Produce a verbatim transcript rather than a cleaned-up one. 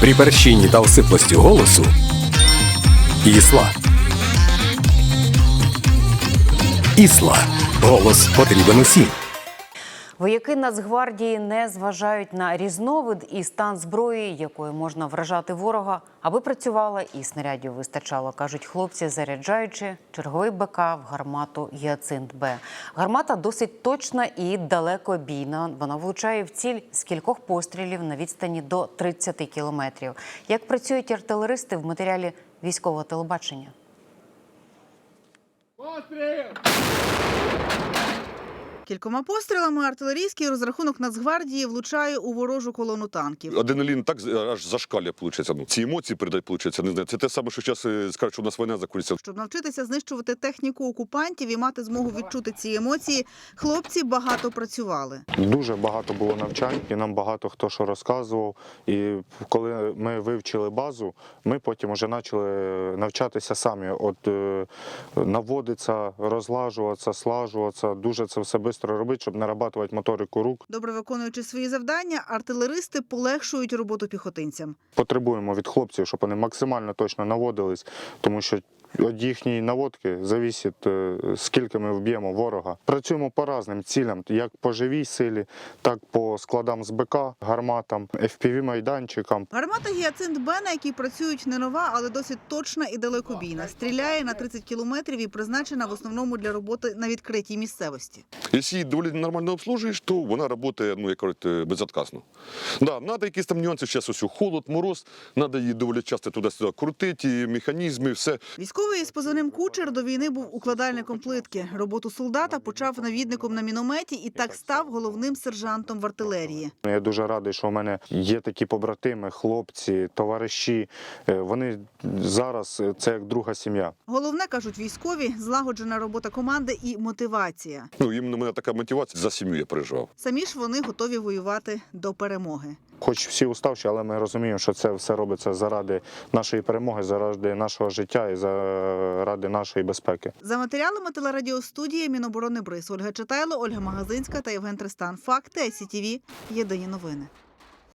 При перщині та осиплості голосу Ісла. Ісла. Голос потрібен усім. Вояки Нацгвардії не зважають на різновид і стан зброї, якою можна вражати ворога, аби працювала і снарядів вистачало, кажуть хлопці, заряджаючи черговий БК в гармату «Гіацинт-Б». Гармата досить точна і далекобійна. Вона влучає в ціль з кількох пострілів на відстані до тридцяти кілометрів. Як працюють артилеристи в матеріалі військового телебачення? Постріл! Кількома пострілами артилерійський розрахунок Нацгвардії влучає у ворожу колону танків. Адреналін так аж зашкалює, виходить. Ну, ці емоції передають, виходить. Не знаю. Це те саме, що зараз скажуть, що у нас війна закінчиться. Щоб навчитися знищувати техніку окупантів і мати змогу відчути ці емоції, хлопці багато працювали. Дуже багато було навчань, і нам багато хто що розказував. І коли ми вивчили базу, ми потім вже почали навчатися самі. От е, наводитися, розлажуватися, слажуватися, дуже це все швидко робити, щоб нарабатувати моторику рук. Добре виконуючи свої завдання, артилеристи полегшують роботу піхотинцям. Потребуємо від хлопців, щоб вони максимально точно наводились, тому що від їхньої наводки залежить, скільки ми вб'ємо ворога. Працюємо по різним цілям, як по живій силі, так по складам з БК, гарматам, еф пі ві-майданчикам. Гармата «Гіацинт-Б», на якій працюють, не нова, але досить точна і далекобійна. Стріляє на тридцять кілометрів і призначена в основному для роботи на відкритій місцевості. Якщо її доволі нормально обслужуєш, то вона працює, ну, як кажуть, безотказно. Да, треба якісь там нюанси, зараз ось холод, мороз, треба її доволі часто туди-сюди крутити, механізми, все. Військовий із позивним «Кучер» до війни був укладальником плитки. Роботу солдата почав навідником на мінометі і так став головним сержантом в артилерії. Я дуже радий, що у мене є такі побратими, хлопці, товариші. Вони зараз – це як друга сім'я. Головне, кажуть військові, злагоджена робота команди і мотивація. Ну, іменно у мене така мотивація, за сім'ю я переживав. Самі ж вони готові воювати до перемоги. Хоч всі уставші, але ми розуміємо, що це все робиться заради нашої перемоги, заради нашого життя і заради нашої безпеки. За матеріалами телерадіостудії Міноборони Бриз. Ольга Читайло, Ольга Магазинська та Євген Тристан. Факти, ай сі ті ві. Єдині новини.